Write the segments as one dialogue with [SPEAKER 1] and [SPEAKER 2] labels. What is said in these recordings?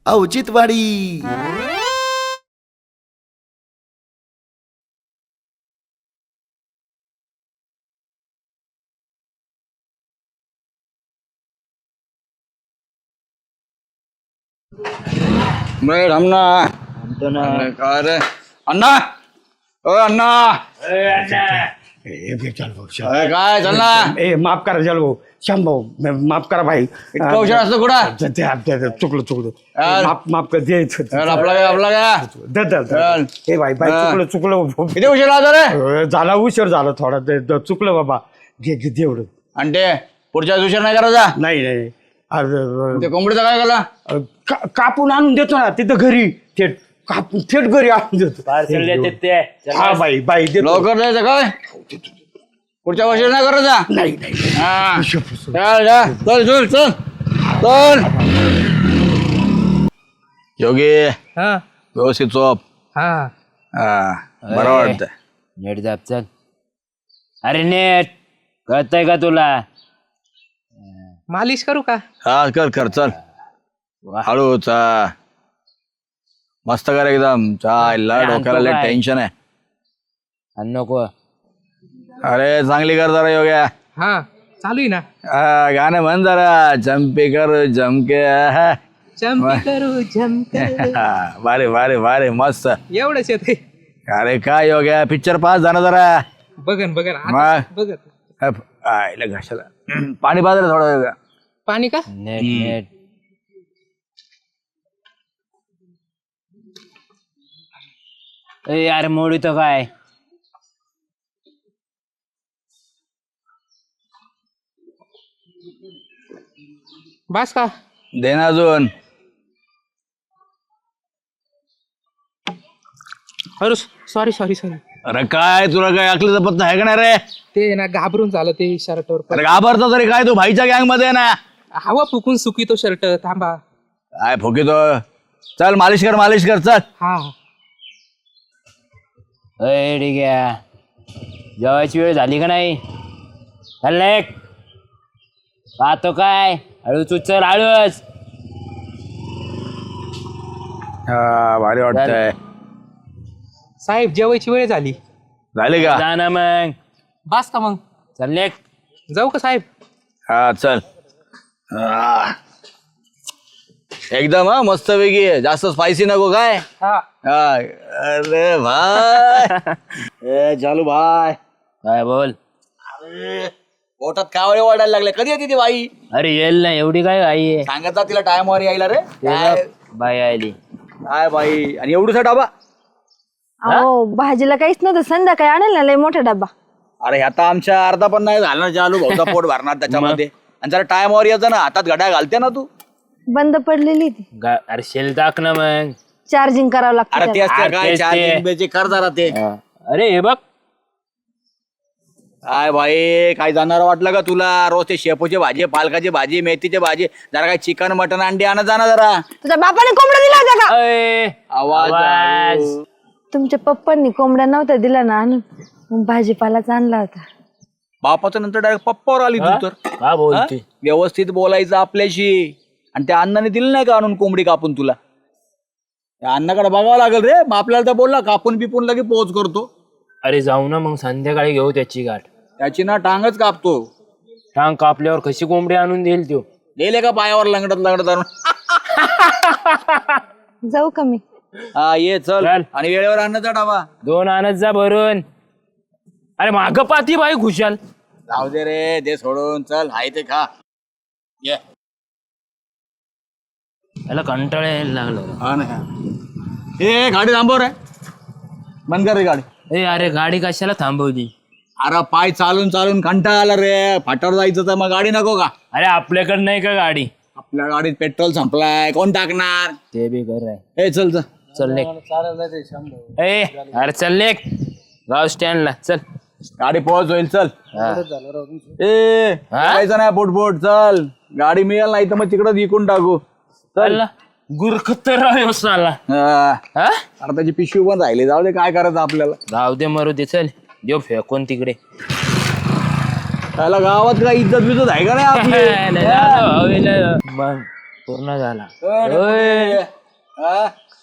[SPEAKER 1] औचित्यवाडी.
[SPEAKER 2] काय रे अण्णा ओ अण्णा काय चाल ना
[SPEAKER 3] माफ करा जल भाऊ श्याम भाऊ माफ करा भाई.
[SPEAKER 2] इतका उशीर असतो कुठं
[SPEAKER 3] चुकलं
[SPEAKER 2] यार.
[SPEAKER 3] माफ कर
[SPEAKER 2] आपला काय
[SPEAKER 3] हे भाई चुकलं
[SPEAKER 2] किती उशीर आला रे
[SPEAKER 3] झाला उशीर झाला थोडा चुकलं बाबा. घे एवढं
[SPEAKER 2] आणि ते पुढच्या उशीर नाही करायचा.
[SPEAKER 3] नाही
[SPEAKER 2] ते कोंबडीचं काय केला
[SPEAKER 3] कापून आणून देतो ना तिथं घरी थेट कापून थेट घरी आणून देतो. हा बाई देतो.
[SPEAKER 2] लवकर द्यायचं काय पुढच्या उशीर नाही करायचा.
[SPEAKER 3] नाही
[SPEAKER 2] हा चल चल चल चल चल योगी व्यवस्थित चोप. बरं वाटतं.
[SPEAKER 4] नेट जाप चल. अरे नेट कळतंय का तुला?
[SPEAKER 5] मालिश करू का?
[SPEAKER 2] हा कर कर चल हळू चा मस्त कर एकदम चायला डोक्याला लय टेन्शन आहे.
[SPEAKER 4] आणि नको
[SPEAKER 2] अरे चांगली कर जरा योग्या.
[SPEAKER 5] हा चालू आहे ना.
[SPEAKER 2] गाणं म्हण जरा जम्पे कर जमके.
[SPEAKER 5] जम्प करू जम्प
[SPEAKER 2] बारे बारे बारे मस्त.
[SPEAKER 5] एवढंच येते.
[SPEAKER 2] अरे काय योग्या पिक्चर पास झाला जरा.
[SPEAKER 5] बघन
[SPEAKER 2] मग?
[SPEAKER 5] बघत
[SPEAKER 2] आयला घशाला पाणी पाजलं थोडं योग्या.
[SPEAKER 5] पाणी का?
[SPEAKER 4] नेट नेट यार मोडी तो काय
[SPEAKER 5] बस का?
[SPEAKER 2] दे ना अजून.
[SPEAKER 5] अरे सॉरी
[SPEAKER 2] अरे काय तुला काय अकलीचा पत्ता आहे का नाही रे.
[SPEAKER 5] ते ना घाबरून झालं ते शर्टवर.
[SPEAKER 2] अरे घाबरतो तरी काय तू भाईच्या गँग मध्ये आहे ना.
[SPEAKER 5] हवा फुकून सुकी तो शर्ट. थांबा.
[SPEAKER 2] काय फुकितो. चल मालिश कर चल.
[SPEAKER 5] हा
[SPEAKER 4] ठीक आहे. जेवायची वेळ झाली का नाही? चल एक पाहतो काय हळूच उचल हळूच.
[SPEAKER 2] हा भारी वाटतंय.
[SPEAKER 5] साहेब जेवायची वेळ झाली.
[SPEAKER 2] झाली का?
[SPEAKER 4] जा ना मग.
[SPEAKER 5] बस का मग?
[SPEAKER 4] चल एक
[SPEAKER 5] जाऊ का साहेब?
[SPEAKER 2] हा चल. एकदम हा मस्त वेगळी. जास्त स्पायसी नको काय.
[SPEAKER 5] हा
[SPEAKER 2] अरे भाई चालू भाई
[SPEAKER 4] काय बोल.
[SPEAKER 2] पोटात कावळे वाढायला लागले. कधी येते ती बाई?
[SPEAKER 4] अरे येईल ना एवढी काय आई आहे.
[SPEAKER 2] सांगत तिला टाइमवर यायला रे. काय
[SPEAKER 4] बाई आली.
[SPEAKER 2] काय बाई आणि एवढूसा डबा.
[SPEAKER 6] अहो भाजीला काहीच नव्हतं संध्याकाळी आणेल ना लय मोठा डब्बा.
[SPEAKER 2] अरे आता आमच्या अर्धा पण नाही झाला. चालू भाऊचा पोट भरणार त्याच्यामध्ये. आणि जरा टाइमवर यायचं ना. हातात घड्या घालते ना तू.
[SPEAKER 6] बंद पडलेली ती
[SPEAKER 4] अरे शेल टाक ना मग.
[SPEAKER 6] चार्जिंग करावं
[SPEAKER 2] अरे
[SPEAKER 6] लागतं
[SPEAKER 2] ते असते काय
[SPEAKER 4] तेच ते.
[SPEAKER 2] 4 जिंब्याचे कर जरा ते.
[SPEAKER 4] अरे हे बघ
[SPEAKER 2] काय भाई काय जाणार वाटलं का तुला. रोज ते शेपूची भाजी पालकाची भाजी मेथीची भाजी. जरा काय चिकन मटन अंडी आणा जाणार जरा.
[SPEAKER 6] तुझ्या बापाने कोंबडा दिला होता का?
[SPEAKER 4] अय,
[SPEAKER 2] आवाज
[SPEAKER 4] आवाज.
[SPEAKER 6] तुमच्या पप्पांनी कोंबड्या नव्हता दिला ना आणून मग भाजीपालाच आणला होता.
[SPEAKER 2] बापाचं नंतर डायरेक्ट पप्पावर आली तू तर.
[SPEAKER 4] का बोलते.
[SPEAKER 2] हा? व्यवस्थित बोलायचं आपल्याशी. आणि त्या अण्णाने दिलं नाही का आणून कोंबडी कापून तुला. त्या अण्णाकडे बघावं लागेल रे. मग आपल्याला तर बोलला कापून बिपून लगे पोच करतो.
[SPEAKER 4] अरे जाऊ ना मग संध्याकाळी घेऊ त्याची गाठ.
[SPEAKER 2] त्याची ना टांगच कापतो.
[SPEAKER 4] टांग कापल्यावर कशी कोंबडी आणून देईल तो.
[SPEAKER 2] गेले का पायावर लंगडत आणून.
[SPEAKER 6] जाऊ का मी?
[SPEAKER 2] हा ये चल.
[SPEAKER 4] चल.
[SPEAKER 2] आणि वेळेवर आणण्याचा डाबा.
[SPEAKER 4] 2 आणत जा भरून. अरे माग पाती बाई खुशाल.
[SPEAKER 2] जाऊ दे रे ते सोडून चल. हाय ते खा. ये
[SPEAKER 4] याला कंटाळा यायला लागलं.
[SPEAKER 2] हा ना. ए गाडी थांबव रे. बंद कर रे गाडी.
[SPEAKER 4] ए अरे गाडी कशाला थांबवली.
[SPEAKER 2] अरे पाय चालून चालून कंटाळा आला रे. फाटावर जायचं तर मग गाडी नको का.
[SPEAKER 4] अरे आपल्याकडे नाही का गाडी.
[SPEAKER 2] आपल्या गाडीत पेट्रोल संपलाय. कोण टाकणार.
[SPEAKER 4] ते बी कर आहे.
[SPEAKER 2] ए चल चल.
[SPEAKER 4] चल लेक. ए अरे चल लेक. गाव स्टँडला चल.
[SPEAKER 2] गाडी पोहोच होईल चल.
[SPEAKER 4] हा.
[SPEAKER 2] ए जायचं नाही पोटपोट चल. गाडी मिळेल नाही तर मग तिकडं विकून टाकू.
[SPEAKER 4] चल गुरखतर साला.
[SPEAKER 2] हा.
[SPEAKER 4] हा
[SPEAKER 2] अरे त्याची पिशवी पण राहिली. जाऊ दे काय करायचं आपल्याला.
[SPEAKER 4] जाऊ दे मरू दे. चल देव फेकून तिकडे.
[SPEAKER 2] त्याला गावात काय इज्जत बिजत आहे का नाही आपली.
[SPEAKER 4] मग पूर्ण झाला.
[SPEAKER 2] ओय. हा?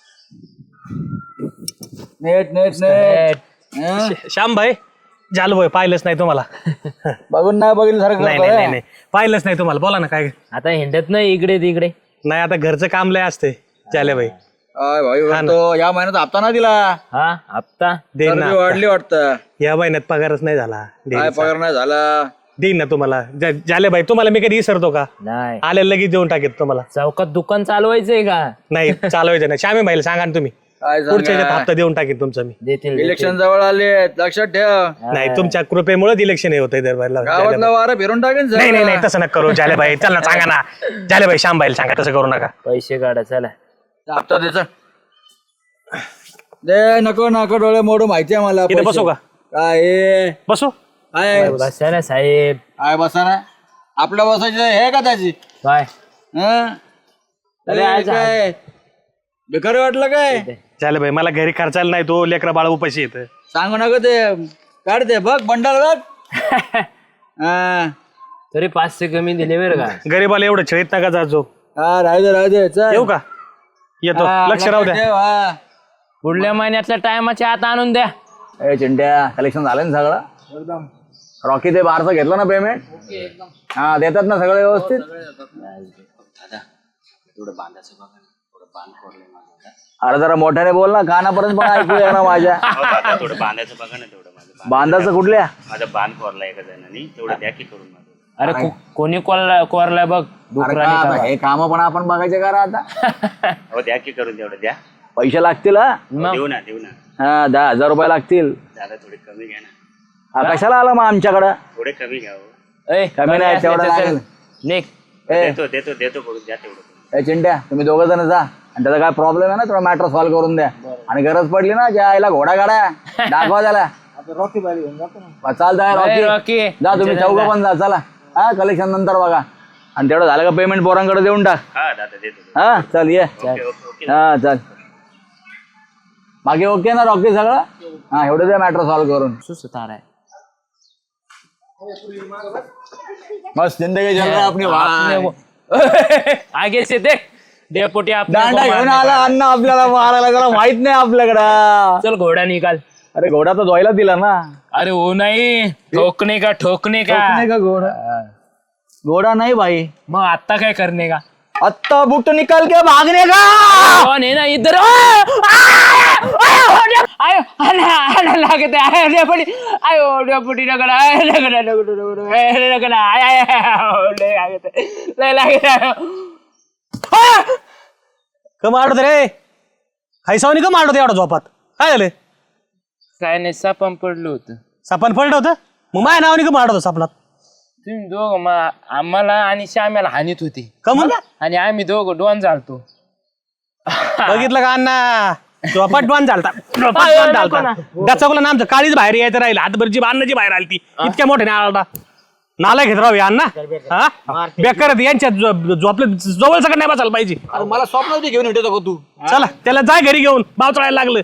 [SPEAKER 2] नेट नेट नेट हा?
[SPEAKER 1] श्याम भाई जालू भाई पाहिलंच नाही तुम्हाला.
[SPEAKER 2] बघून नाही बघितलं सारखं
[SPEAKER 1] नाही
[SPEAKER 2] करतोय.
[SPEAKER 1] नाही नाही पाहिलंच नाही तुम्हाला. बोला ना काय.
[SPEAKER 4] आता हिंडत नाही इकडे तिकडे.
[SPEAKER 1] नाही आता घरचं काम लय असते जाले भाई.
[SPEAKER 2] काय भाई करतो? या महिन्यात हप्ता ना दिला.
[SPEAKER 4] हा हप्ता
[SPEAKER 1] देईन ना.
[SPEAKER 2] चरबी वाढली वाटतं.
[SPEAKER 1] या महिन्यात पगारच नाही झाला.
[SPEAKER 2] काय पगार नाही झाला.
[SPEAKER 1] देईन ना तुम्हाला. जाले भाई तुम्हाला मी कधी विसरतो का?
[SPEAKER 4] नाही.
[SPEAKER 1] आले लगेच देऊन टाकेत तुम्हाला.
[SPEAKER 4] चौकात दुकान चालवायचंय का?
[SPEAKER 1] नाही चालवायचं नाही. श्यामी भाईला सांगा ना तुम्ही.
[SPEAKER 2] काय
[SPEAKER 1] पुढच्या ह्याच्यात
[SPEAKER 2] सांगा?
[SPEAKER 1] हप्ता देऊन टाकेन तुमचा मी.
[SPEAKER 4] देतील
[SPEAKER 2] इलेक्शन जवळ आले लक्षात ठेव.
[SPEAKER 1] नाही तुमच्या कृपेमुळे इलेक्शन हे होतंय दरबारला.
[SPEAKER 2] गावातलं वारं फिरून टाकेन
[SPEAKER 1] नाही नाही नाही तसं नका करू जाले भाई. चल ना सांगा ना. जाले भाई श्याम भाईला सांगा तसं करू नका.
[SPEAKER 4] पैसे काढा चला.
[SPEAKER 2] हप्ता द्यायचा दे. नको नको डोळे मोडू माहिती आहे मला.
[SPEAKER 1] इथे
[SPEAKER 2] पैसे.
[SPEAKER 1] बसू का?
[SPEAKER 2] काय हे?
[SPEAKER 1] बसू.
[SPEAKER 2] काय
[SPEAKER 4] बसा ना साहेब.
[SPEAKER 2] काय बसा ना. आपल्या बसायचं हे का त्याची
[SPEAKER 4] काय
[SPEAKER 2] हं? अरे
[SPEAKER 4] आज-
[SPEAKER 2] काय बेकार वाटलं काय?
[SPEAKER 1] जाले भाई मला घरी खर्चायला नाही तो लेकरा बाळा उपाशी येतं.
[SPEAKER 2] सांगू नको ते. काढते बघ बंडल बघ. हा
[SPEAKER 4] तरी 500 कमी दिले बरं का.
[SPEAKER 1] गरीबाला एवढं छळीत नका जाजो.
[SPEAKER 2] हा राहू दे चल.
[SPEAKER 1] येऊ का? येतो.
[SPEAKER 2] हा,
[SPEAKER 1] लक्ष राहू द्या.
[SPEAKER 2] ठेव, हा.
[SPEAKER 4] पुढल्या महिन्यातल्या टायमाच्या आत आणून द्या.
[SPEAKER 2] ए चिंट्या कलेक्शन झालं ना सगळं एकदम. रॉकी ते बारचं घेतलं ना पेमेंट? हा देतात ना सगळं व्यवस्थित. अरे जरा मोठ्याने बोल ना. कानापर्यंत पण ऐकू ना माझ्या.
[SPEAKER 7] थोडं बांधायचं बघा ना तेवढं माझं
[SPEAKER 2] बांधाचं कुठल्या?
[SPEAKER 7] माझं बांध कोरला एका जणांनी तेवढं द्या की करून माझं.
[SPEAKER 4] अरे कोणी कोरलाय बघ.
[SPEAKER 2] अरे का आता हे काम पण आपण बघायचे का रे आता?
[SPEAKER 7] हो द्या की करून तेवढं द्या.
[SPEAKER 2] पैसे लागतील हा?
[SPEAKER 7] देऊ ना देऊ ना.
[SPEAKER 2] हा 10,000 रुपये लागतील.
[SPEAKER 7] दादा थोडे कमी घ्या ना.
[SPEAKER 2] हा, कशाला आला मग आमच्याकडं?
[SPEAKER 7] थोडे कमी घ्या हो.
[SPEAKER 2] कमी नाही तेवढं लागेल. ए
[SPEAKER 7] देतो देतो देतो करून द्या तेवढं.
[SPEAKER 2] ए चिंट्या तुम्ही दोघं जण जा आणि त्याचा काय प्रॉब्लेम आहे ना थोडा मॅटर सॉल्व्ह करून द्या. आणि गरज पडली ना ज्या आईला घोडा गाड्या दाखवा त्याला. चालतंय रॉकी.
[SPEAKER 4] रॉकी
[SPEAKER 2] जा तुम्ही चौघं पण जा चला. हा कलेक्शन नंतर बघा. आणि तेवढं झालं का पेमेंट पोरांकडे देऊन टाक.
[SPEAKER 7] हा दादा देतो.
[SPEAKER 2] हा चल ये.
[SPEAKER 7] Okay okay okay.
[SPEAKER 2] हा चल. बाकी ओके ना रॉकी सगळं? हा एवढं द्या मॅटर सॉल्व्ह करून.
[SPEAKER 4] सुतार आहे.
[SPEAKER 2] मस्त जिंदगी चल रहा अपनी भाई.
[SPEAKER 4] आगे से देख डेपोटी
[SPEAKER 2] दांडा घेऊन आला अन्न आपल्याला मारायला. त्याला माहित नाही आपल्याकडं.
[SPEAKER 4] चल घोडा निकाल.
[SPEAKER 2] अरे घोडा तर धुवायला दिला ना.
[SPEAKER 4] अरे वो नहीं ठोकने का ठोकने का.
[SPEAKER 2] नाही का घोडा? घोडा नाही भाई.
[SPEAKER 4] मग आता काय करने का.
[SPEAKER 2] आत्ता बुट निकाल के भागने का.
[SPEAKER 4] कौन है ना इधर. लागते आयो डेपोटी लगड़ा
[SPEAKER 1] कम आडत रे. खायसावनी कम आडत एवढा झोपात. काय झालं?
[SPEAKER 4] काय नाही सापण पडलं होतं.
[SPEAKER 1] सापान पडलं होतं. मग माझ्या नावाने कम आडत सापलात.
[SPEAKER 4] तुम्ही दोघं आम्हाला आणि श्याम्याला हानीत होती.
[SPEAKER 1] कमून
[SPEAKER 4] आणि आम्ही दोघं डोन झालतो.
[SPEAKER 1] बघितलं का अण्णा? झोपाट डॉन झालता. डचकला ना आमचं काळीच बाहेर यायचं राहिलं. हातभरची अन्नाची बाहेर आली ती. इतक्या मोठ्याने आला. नाला घेत राहू अण्णा. हा बेकार यांच्या झोपले जवळ सगळं नाही बसायला पाहिजे.
[SPEAKER 2] मला स्वप्न घेऊन येतो तू.
[SPEAKER 1] चला त्याला जाय घरी घेऊन. बाव चढायला लागलं.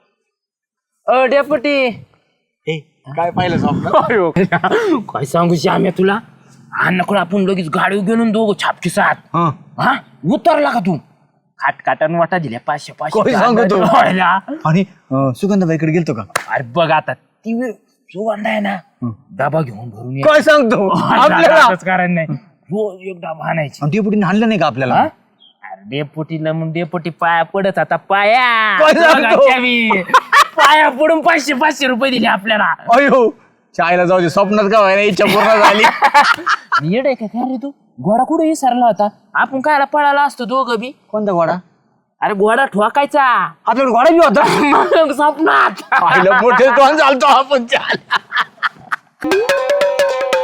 [SPEAKER 4] डेपुटी
[SPEAKER 2] काय पाहिलं स्वप्न?
[SPEAKER 4] काय सांगू श्याम्या तुला. अण्णाकडे आपण लगेच गाडी घेऊन दोघं छापकी साथ. हा उतरला का तू. खाटकाटान वाटा दिल्या 500
[SPEAKER 2] काय सांगतो?
[SPEAKER 4] 500.
[SPEAKER 2] आणि सुगंधाबाईकडे गेलतो का?
[SPEAKER 4] अरे बघ आता ती सुगंध आहे ना डबा घेऊन भरून ये.
[SPEAKER 2] काय सांगतो? आपल्याला
[SPEAKER 4] असंच कारण नाही. रोज एक डबा आणायची.
[SPEAKER 2] आणि डेपुटीने हाणलं नाही का आपल्याला?
[SPEAKER 4] अरे डेपुटीला मग डेपुटी पाया पडत आता पाया.
[SPEAKER 2] काय सांगतो?
[SPEAKER 4] बघायच्या मी. पाया पडून 500 रुपये दिले आपल्याला.
[SPEAKER 2] अयो चायला जाऊ दे. स्वप्नात का व्हायला इच्छा पूर्ण झाली.
[SPEAKER 4] येड आहे का काय रे तू. घोडा कुठे विसरला होता. आपण कायला पळाला असतो दोघं बी.
[SPEAKER 2] कोणता घोडा?
[SPEAKER 4] अरे घोडा ठोकायचा.
[SPEAKER 2] आपल्याला घोडा बी होता.
[SPEAKER 4] मग स्वप्नात.
[SPEAKER 2] मोठे चालतो आपण. चाल